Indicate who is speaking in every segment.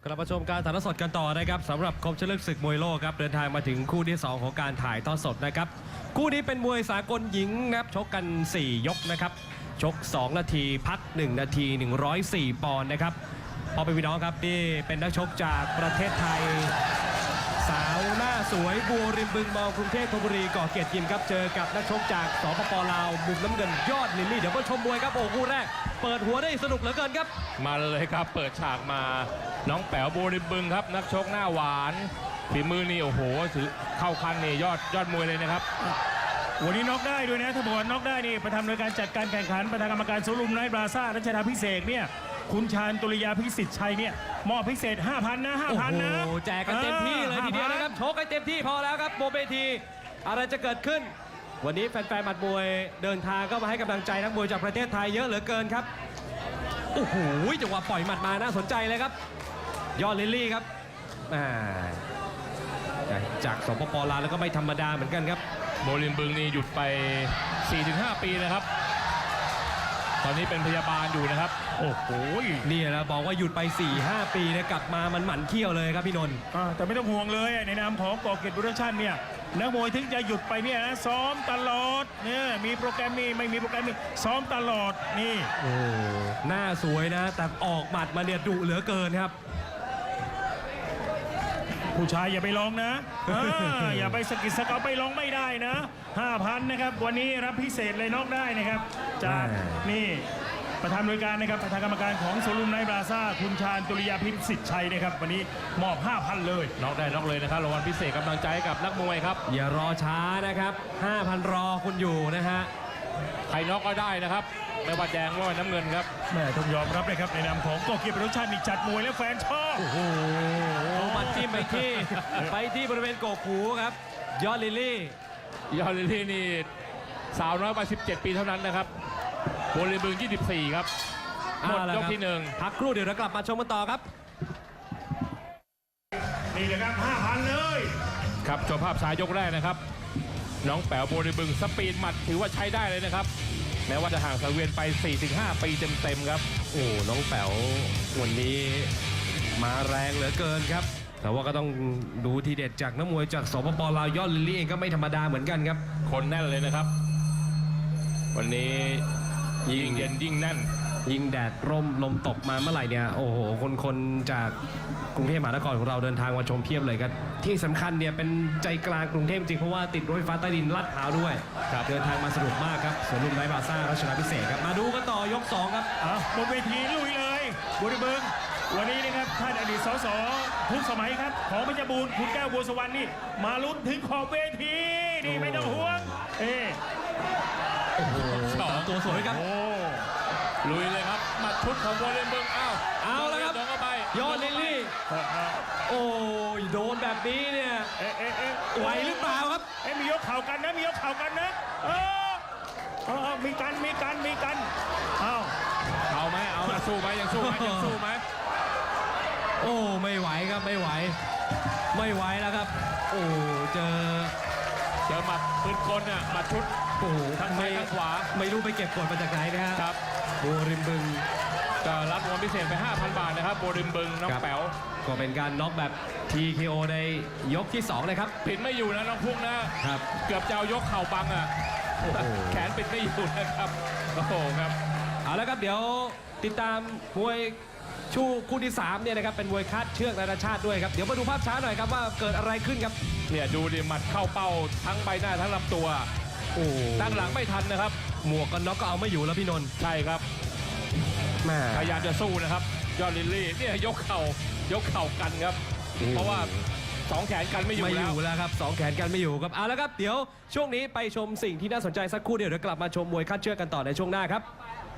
Speaker 1: กลับมาชมการถ่ายทอดสดกันต่อนะครับสำหรับคมชลึกศึกมวยโลกครับเดินทางมาถึงคู่ที่ 2 ของการถ่ายทอดสดนะครับคู่นี้เป็นมวยสากลหญิงนะครับชกกัน 4 ยกนะครับชก 2 นาทีพัก 1 นาที 104 ปอนด์นะครับพอเป็นพี่น้องครับนี่เป็นนักชกจากประเทศไทยสาวหน้าสวยบัวริมบึงมอกรุงเทพธนบุรีก่อเกียรติยิมครับเจอกับนักชกจากสปป.ลาวมุมน้ำเงินยอดลิลลี่เดี๋ยวมาชมมวยครับโอ้คู่แรกเปิดหัวได้สนุกเหลือเกินครับ
Speaker 2: มาเลยครับเปิดฉากมาน้องแป๋วบัวริมบึงครับนักชกหน้าหวานฝีมือนี่โอ้โหถือเข้าคันนี่ยอดมวยเลยนะครับ
Speaker 3: วันนี้น็อกได้ด้วยนะถ้าบอกว่าน็อกได้นี่ประธานโดยการจัดการแข่งขันประธานกรรมการโซลูมไนท์บราซ่ารัชดาพิเศษเนี่ยคุณชาญตุลยาพิสิทธิ์ชัยเนี่ยมอบพิเศษ 5,000 นะ 5,000 นะ
Speaker 1: โอ้โหแจกกันเต็มที่เลยทีเดียวนะครับโชกกันเต็มที่พอแล้วครับโบเบทีอะไรจะเกิดขึ้นวันนี้แฟนๆหมัดมวยเดินทางก็มาให้กำลังใจนักมวยจากประเทศไทยเยอะเหลือเกินครับโอ้โหจังหวะปล่อยหมัดมาน่าสนใจเลยครับยอดลิลลี่ครับจากสปป.ลาวแล้วก็ไม่ธรรมดาเหมือนกันครับ
Speaker 2: โบริมบึงนี่หยุดไป 4-5 ปีนะครับตอนนี้เป็นพยาบาลอยู่นะครับ
Speaker 3: โอ้โห
Speaker 1: นี่นะบอกว่าหยุดไป 4-5 ปีนะกลับมามันหมั่นเขี้ยวเลยครับพี่นนท์
Speaker 3: แต่ไม่ต้องห่วงเลยในนามของก่อเกียรติบุรชันเนี่ยนักมวยถึงจะหยุดไปเนี่ยนะซ้อมตลอดเนี่ยมีโปรแกรมมีไม่มีโปรแกรมมีซ้อมตลอดนี่
Speaker 1: โอ้หน้าสวยนะแต่ออกหมัดมาเนี่ยดุเหลือเกินครับ
Speaker 3: ผู้ชายอย่าไปลองนะอย่าไปสกิดสเกาไปลองไม่ได้นะ 5,000 นะครับวันนี้รับพิเศษเลยน็อกได้นะครับจากนี่ประธานบริการนะครับประธานกรรมการของโซลูมไนท์บราซ่าคุณชาญตุลยาพิสิทธิ์ชัยนะครับวันนี้มอบ 5,000 เลย
Speaker 2: น็อกได้น็อกเลยนะครับรางวัลพิเศษกำลังใจให้กับนักมวยครับ
Speaker 1: อย่ารอช้านะครับ 5,000 รอคุณอยู่นะฮะ
Speaker 2: ใครน็อกก็ได้นะครับไม่ว่าแดงไม่ว่าน้ำเงินครับ
Speaker 3: แม่ต้องยอมรับเลยครับในนามของก่อเกียรติบุรชันนี่จัดมวยและแฟนชอบ
Speaker 1: โอ้โหมันจิ้มไปที่บริเวณกกหูครับยอดลิลลี่
Speaker 2: นี่สาวน้อยวัย17 ปีเท่านั้นนะครับโบริมบึง24ครับหมดยกที่1
Speaker 1: พักครู่เดี๋ยวเรากลับมาชมกันต่อครับ
Speaker 3: นี่เลยครับ 5,000 เลย
Speaker 2: ครับชมภาพช้ายกแรกนะครับน้องแป๋วโบริมบึงสปีดหมัดถือว่าใช้ได้เลยนะครับแม้ว่าจะห่างสังเวียนไป 4-5 ปีเต็มครับ
Speaker 1: โอ้น้องแป๋ววันนี้มาแรงเหลือเกินครับแต่ว่าก็ต้องดูทีเด็ดจากนักมวยจากสปป.ลาวยอดลิลลี่เองก็ไม่ธรรมดาเหมือนกันครับ
Speaker 2: คนแน่นเลยนะครับวันนี้ยิ่งเย็นยิ่งแน่น
Speaker 1: ยิงแดดร่มลมตกมาเมื่อไหร่เนี่ยโอ้โหคนจากกรุงเทพมหานครของเราเดินทางมาชมเพียบเลยครับที่สำคัญเนี่ยเป็นใจกลางกรุงเทพจริงเพราะว่าติดรถไฟฟ้าใต้ดินลาดพร้าวด้วยเดินทางมาสะดวกมากครับสวนลุมไนท์บราซ่ารัชดาพิเศษครับมาดูกันต่อยก 2ครับ
Speaker 3: บนเวทีลุยเลยบุรีบึงวันนี้นะครับท่านอดีตสสทุกสมัยครับของเพชรบูรณ์คุณแก้วบัวสวรรค์นี่มาลุ้นถึงขอบเวทีนี่ไม่ต้องห่วง
Speaker 1: โอ้โหตัวสวยครับ
Speaker 2: ลุยเลยครับหมัดชุดของโบริมบึง
Speaker 1: เอาแล้วครับยอดลิลลี่โอ้ยโดนแบบนี้เนี่ยไหวหรือเปล่าครับ
Speaker 3: มียกเข่ากันนะมียกเข่ากันนะมีกัน
Speaker 2: เอาไหมเอาสู้ไหมยังสู้ไหม
Speaker 1: โอ้ไม่ไหวครับไม่ไหวแล้วครับโอ้เจอ
Speaker 2: หมัดปืนกลหมัดชุด
Speaker 1: โอ้
Speaker 2: ทั้งซ้ายทั้งขวา
Speaker 1: ไม่รู้ไปเก็บกดมาจากไหนนะครับโบริมบึง
Speaker 2: ก็รับรางวัลพิเศษไป 5,000 บาทนะครับโบริมบึงน้องแป๋ว
Speaker 1: ก็เป็นการน็อกแบบ TKO ในยกที่2เลยครับ
Speaker 2: ปิดไม่อยู่นะน้องพุ่งนะครับเกือบจะเอายกเข่าบังแขนปิดไม่อยู่นะครับโอ้โหครับ
Speaker 1: เอาละครับเดี๋ยวติดตามมวยคู่ที่3เนี่ยนะครับเป็นมวยคาดเชือกนานาชาติด้วยครับเดี๋ยวมาดูภาพช้าหน่อยครับว่าเกิดอะไรขึ้นครับ
Speaker 2: เนี่ยดูดิหมัดเข้าเป้าทั้งใบหน้าทั้งลำตัวตั้งหลังไม่ทันนะครับ
Speaker 1: หมวกกันน็อกก็เอาไม่อยู่แล้วพี่นนท์
Speaker 2: ใช่ครับพยายามจะสู้นะครับยอดลิลลี่เนี่ยยกเข่ากันครับเพราะว่า2แขนกันไม่อยู่
Speaker 1: แล้วครับ2แขนกันไม่อยู่ครับเอาละครับเดี๋ยวช่วงนี้ไปชมสิ่งที่น่าสนใจสักครู่เดี๋ยวกลับมาชมมวยคาดเชือกกันต่อในช่วงหน้าครับ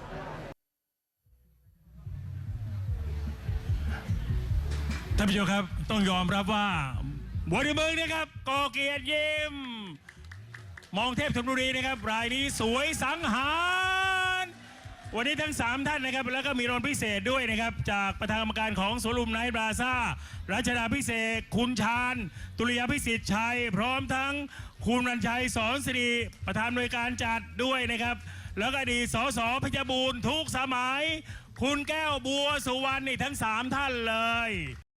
Speaker 3: ท่านผู้ชมครับต้องยอมรับว่าบัวริมบึงนะครับก่อเกียรติยิมมองเทพธนบุรีนะครับรายนี้สวยสังหารวันนี้ทั้ง3ท่านนะครับแล้วก็มีรางวัลพิเศษด้วยนะครับจากประธานกรรมการของโซลูมไนท์บราซ่ารัชดาพิเศษคุณชาญตุลยาพิสิทธิ์ชัยพร้อมทั้งคุณรัญชัยสอนสิริประธานหน่วยการจัดด้วยนะครับแล้วก็อดีตสสเพชรบูรณ์ทุกสมัยคุณแก้วบัวสุวรรณนี่ทั้ง3ท่านเลย